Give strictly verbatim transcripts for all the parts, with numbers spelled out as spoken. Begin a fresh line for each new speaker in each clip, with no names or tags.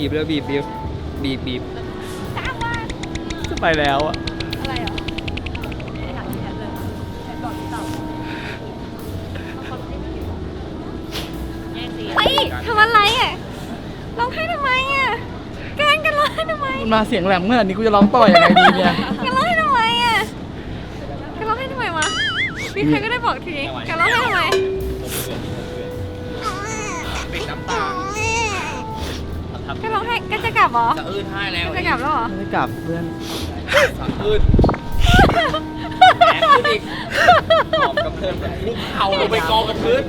บีบแล้วบีบบีบบีบบีบจะไปแล้วอะอะไรเหรอ
เฮ้ยทำอะไรอ่ะร้องไห้ทำไมอ่ะแกล้งกันร้องไห้ทำไม
มันมาเสียงแหลมขนาดนี้กูจะร้องต่อยังไงดีเนี่ย
แกร้องไห้ทำไมอ่ะแกร้องไห้ทำไมวะมีใครก็ได้บอกทีแกร้องไห้ทำไม
ปิดน้ำตา
แกร้องไห้แกจะกลับเหรอ
สะอื้นให้แล้ว
แกจะกลับแล้วเหรอ
ไม่กลับเพื่อน
สะอื้นแหมขึ้นอีกกองกระเพื่อนแบบลุกเข่าลงไปกองกับพื้น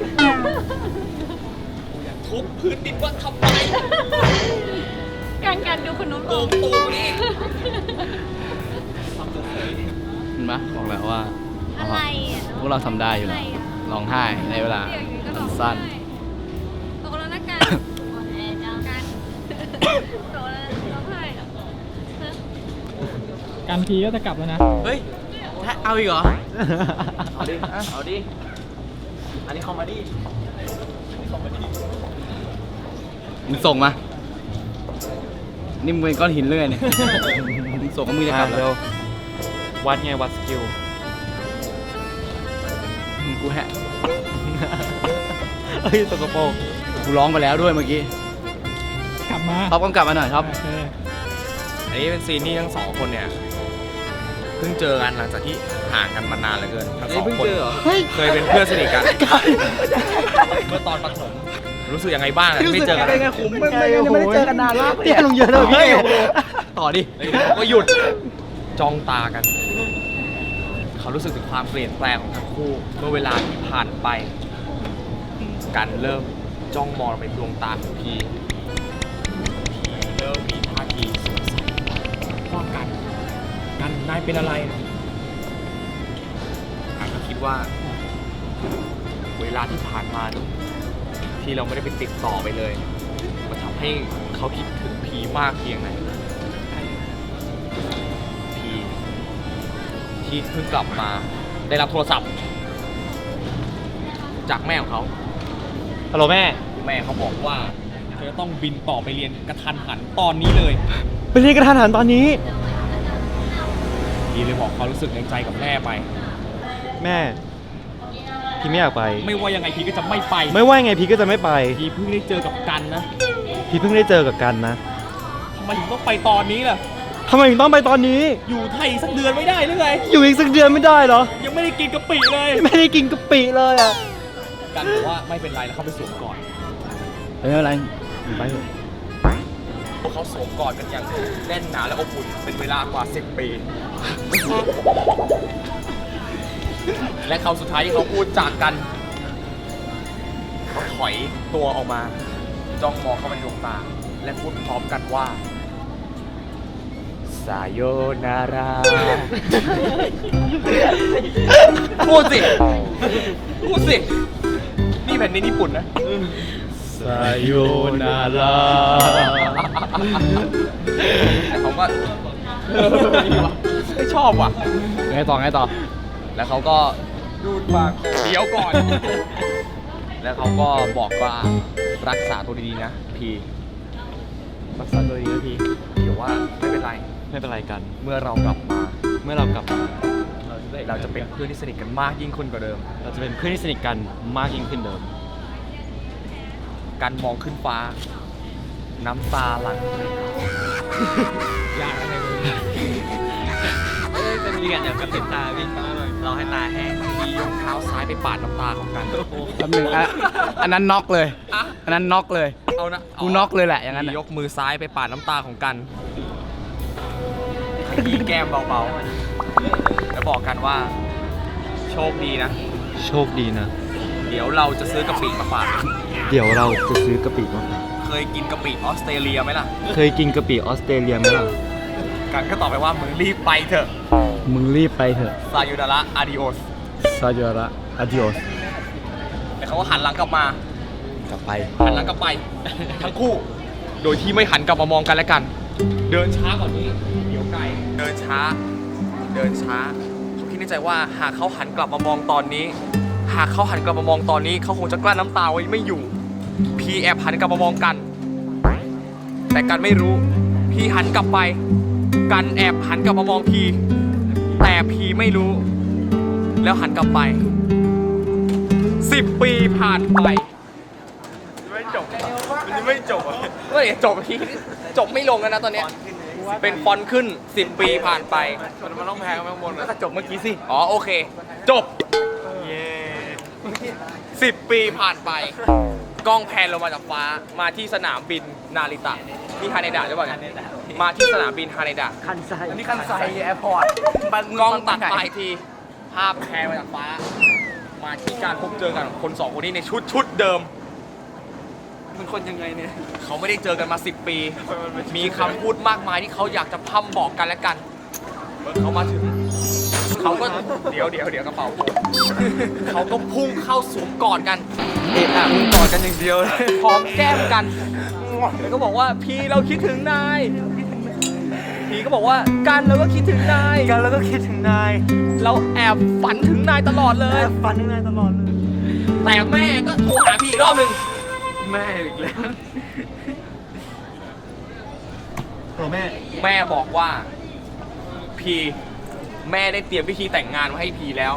ทุบพื้นดินว่าทำไม
การการดูคนนู้น
โกงตูมนี่
เห็นไหมบอกแล้วว่า
อะไรอ่ะ
พวกเราทำได้อยู่แล้วร้องไห้ในเวลาสั้น
ตกแล้วนะการการตกแล้วร้องไห้อ่ะ
การพีก็จะกลับแล้วนะ
เฮ้ยเอาอีกเหรอ เอาดิ เอาดิ อันนี้คอมเมดี้
มึงส่งมา นี่มึงเป็นก้อนหินเรื่อยเนี่ย มึงส่งก็มึงจะกลับแล้ว
วัดไงวัดสกิล
มึงกูแฮะ
เฮ้ยสกปรก
กูร้องไปแล้วด้วยเมื่อกี้
กลับมา
ท็อปกำกับมาหน่อยท็อป
โอเค
อันนี้เป็นซีนที่ทั้งสองคนเนี่ยเพิ่งเจอกันหลังจากที่ห่างกันมานานเหลือเกินทั้งสองคนเคยเป็นเพื่อนสนิทกันเมื่อตอนประถมรู้สึกยังไงบ้างไม่เจอกัน
เป็นไงคุ้มไม่ไม่ไม่ได้เจอกันนานมากเตี้ยลงเยอะเลยพี่ต่อดิ
ก็หยุดจ้องตากัน เขารู้สึกถึงความเปลี่ยนแปลงของทั้งคู่เมื่อเวลาที่ผ่านไปกันเริ่มจ้องมองไปดวงตาของพีพีเริ่มมีท่าทีสงสัยว่ากันกันนายเป็นอะไรกันก็คิดว่า เวลาที่ผ่านมานี่ที่เราไม่ได้ไปติดต่อไปเลยมันทำให้เขาคิดถึงพีมากเพียงไหนพีที่เพิ่งกลับมาได้รับโทรศัพท์ จากแม่ของเขา
ฮัลโหลแม่
แม่เขาบอกว่าเธอต้องบินต่อไปเรียนกระทันหันตอนนี้เลย
ไปเรียนกระทันหันตอนนี้
พีเลยบอกความรู้สึกในใจกับแม่ไป
แม่ พี่ไม่อยากไป
ไม่ว่ายังไงพีก็จะไม่ไป
ไม่ว่าไงพี่ก็จะไม่ไป
พีเพิ่งได้เจอกับกันนะ
พี่เพิ่งได้เจอกับกันนะ
ทำไมถึงต้องไปตอนนี้ล่ะ
ทำไมถึงต้องไปตอนนี้
อยู่ไทยสักเดือนไม่ได้หรือไง
อยู่อีกสักเดือนไม่ได้เหรอ
ยังไม่ได้กินกะปิเลย
ไม่ได้กินกะปิเลยอ่ะ
กันบอกว่าไม่เป็นไรแล้วเขาไปสวมกอด
ไม่เป็นไร
ไปเถอะ
พวกเขาสวมกอดกันอย่างแน่นหนาและอบอุ่นเป็นเวลากว่าสิบปี และคำสุดท้ายที่เขาพูดจากกันเขาถอยตัวออกมา จ้องมองเข้าไปในดวงตา และพูดพร้อมกันว่าสายโยนารา พูดสิ พูดสิ นี่แผ่นดินญี่ปุ่นนะ
สายโยนารา
แต่เขาก็เออดีว่ะไม่ชอบว่ะ
ไงต่อไงต่อ
แล้วเขาก็ดูดปากเดี๋ยวก่อน แล้วเขาก็บอกว่ารักษาตัวดีๆนะพี
รักษาตัวดีนะพี่
เดี๋ยวว่าไม่เป็นไร
ไม่เป็นไรกัน
เมื่อเรากลับมา
เมื่อเรากลับมา
เราจะเป็นเพื่อนที่สนิทกันมากยิ่งขึ้นกว่าเดิม
เราจะเป็นเพื่อนที่สนิทกันมากยิ่งขึ้นเดิม
การมองขึ้นฟ้า น้ำตาหลั่งอยากอะไรเลยจะมีกันอย่างกระพริบตาพี่เราให้ตาแห้งมียกเท้าซ้ายไปปาดน้ำตาของกัน
แป๊บหนึงอ่ะอันนั้นน็อกเลย อันนั้นน็อกเลย
เอานะ
กูน็อกเลยแหละอย่างนั้น
มี
น่ะ
ยกมือซ้ายไปปาดน้ำตาของกันขยี้แก้มเบาๆ แล้วบอกกันว่า โชคดีนะ
โชคดีนะ
เดี๋ยวเราจะซื้อกะปิมาฝาก
เดี๋ยวเราจะซื้อกะปิมา
เคยกินกะปิออสเตรเลียไหมล่ะ
เคยกินกะปิออสเตรเลียไหมล่ะ
กันก็ตอบไปว่ามึงรีบไปเถอะ
มึงรีบไปเถอะ
ซายูดาระอาดิโอส
ซาโยระอาดิโอส
แต่เขาก็หันหลังกลับมา
กลับไป
หันหลังกลับไป ทั้งคู่ โดยที่ไม่หันกลับมามองกันและกัน เดินช้ากว่านี้เดี๋ยวไกลเดินช้า เดินช้าเขาคิดในใจว่าหากเขาหันกลับมามองตอนนี้ หากเขาหันกลับมามองตอนนี้เขาคงจะกลั้นน้ำตาไว้ไม่อยู่ พีแอบหันกลับมามองกันแต่กันไม่รู้ พีหันกลับไป กันแอบหันกลับมามองพีแต่พีไม่รู้ แล้วหันกลับไปสิบปีผ่านไปไม่จบมันไม่จบเฮ้ยจบทีจบไม่ลงแล้วนะตอนเนี้ยเป็นฟอนต์ขึ้นสิบปีผ่านไปมันต้องแพงข้างบนแล้วก็จบเมื่อกี้สิอ๋อโอเค จบเย้สิบปีผ่านไปกล้องแพนลงมาจากฟ้ามาที่สนามบินนาริตะนี่ฮาเนดะหรือเปล่าเนี่ยมาที่สนามบินฮาเนดะ
คันไซ
อันนี้คันไซแอร์พอร์ตกล้องตัดไปทีภาพแพนมาจากฟ้า มาที่การพบเจอกันของคนสองคนนี้ในชุดชุดเดิม
มันคนยังไงเนี่ย
เขาไม่ได้เจอกันมาสิบปี มีคำพูดมากมายที่เขาอยากจะพร่ำบอกกันและกันเมื่อเขามาถึง เขาก็เดี๋ยวเดี๋ยวเดี๋ยวกระเป๋าผมเขาก็พุ่งเข้าสวมกอดกัน
เอะอะมึงกอดกันอย่างเดียวเลย
หอมแก้มกัน แล้วก็บอกว่าพี่เราคิดถึงนาย พี่ก็บอกว่ากันเราก็คิดถึงนาย
กันแล้วก็คิดถึงนาย
เราแอบฝันถึงนายตลอดเลย
ฟันถึงนายตลอดเลย
แต่แม่ก็โทรหาพี่อีกรอบหนึ่ง
แม่อีกแล้วโอ้แม่
แม่บอกว่าพีแม่ได้เตรียมพิธีแต่งงานมาให้พีแล้ว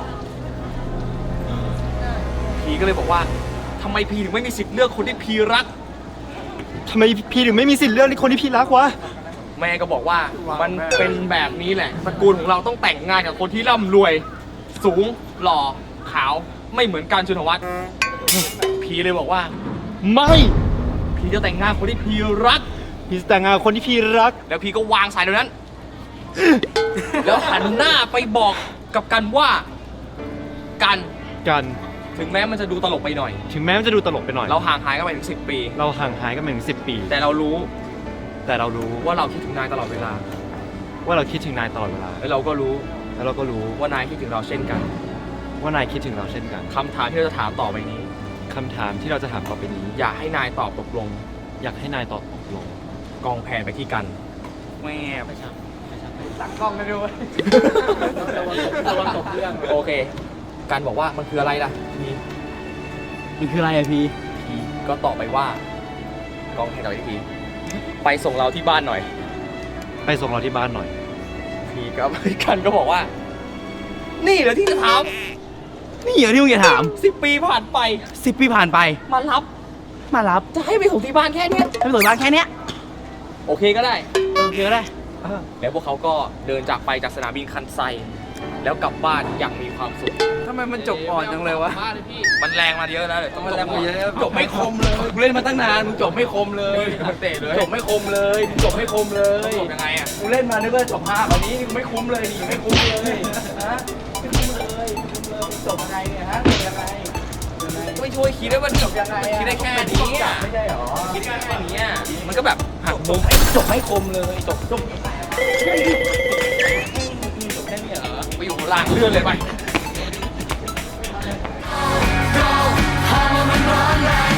พีก็เลยบอกว่าทำไมพีถึงไม่มีสิทธิ์เลือกคนที่พีรัก
ทำไมพี่ถึงไม่มีสิทธิ์เลือกคนที่พี่รักวะ
แม่ก็บอกว่ามันเป็นแบบนี้แหละตระกูลของเราต้องแต่งงานกับคนที่ร่ำรวย สูงหล่อขาวไม่เหมือนกันชุนวัฒน์พีเลยบอกว่า
ไม่
พีจะแต่งงานคนที่พีรัก
พี่จะแต่งงานกับคนที่พี่รัก
แล้วพีก็วางสายเดี๋ยวนั้น แล้วหันหน้าไปบอกกับกันว่ากัน
กัน
ถึงแม้มันจะดูตลกไปหน่อย
ถึงแม้มันจะดูตลกไปหน่อย
เราห่างหายกันไปถึงสิบปี
เราห่างหายกันมาถึงสิบปี
แต่เรารู้
แต่เรารู้
ว่าเราคิดถึงนายตลอดเวลา
ว่าเราคิดถึงนายตลอดเวลา
และเราก็รู้
แล้วเราก็รู้
ว่านายคิดถึงเราเช่นกัน
ว่านายคิดถึงเราเช่นกัน
คำถามที่เราจะถามต่อไปนี้
คำถามที่เราจะถามต่อไปนี้
อยากให้นายตอบตกลง
อยากให้นายตอบตกลง
กองแผนไปที่กัน
แม่ไม่ใช่ตั้งกล้องกันด้วย
ระวังตกเรื่องโอเค กันบอกว่ามันคืออะไรล่ะนี่
มันคืออะไรอะพี่
พีก็ตอบไปว่ากองแผนต่อไปที่พีไปส่งเราที่บ้านหน่อย
ไปส่งเราที่บ้านหน่อย
พีก็ กันก็บอกว่า นี่เหรอที่จะถาม
นี่เหรอที่มึงจะถาม
สิบปีผ่านไป
สิบปีผ่านไป
มารับ
มารับ
จะให้ไปส่งที่บ้านแค่เนี้ย
ให้ไปส่งบ้านแค่เนี้ย
โอเคก็ได้
โอเคก็ได้
แล้วพวกเขาก็เดินจากไปจากสนามบินคันไซ แล้วกลับบ้านอย่างมีความสุข
ทำไมมันจบอ่อนจังเลยวะ
มันแรงมาเยอะนะเดี๋ยวต้อง
มัน
จ
แร
บ
งมาเยอะ
จบไม่คมเลย
กูเล่นมาตั้งนานมึงจบไม่คมเลย
มันเตะเลย
จบไม่คมเลยจบไม่คมเลย
จบยังไงอ่ะ
กูเล่นมานึกว่าจบห้าวันนี้กูไม่คุ้มเลยนี่ไม่คุ้มเลยฮะไม่คุ้มเลยไม่คุ้มเลยจบยังไงเนี่ยฮะจบยังไงยังไง
ไม่ช่วยคิดได้ว่า
จบยังไง
คิดได้แค่นี้อ่ะ
ไม่ใช่หรอ
คิดได้แค่นี้อ่ะมันก็แบบหักมุม
จบไม่คมเลยจบจบจบแค่นี้เหรอ
ไปอยู่หลังเลื่อนเลยไป
Home and run,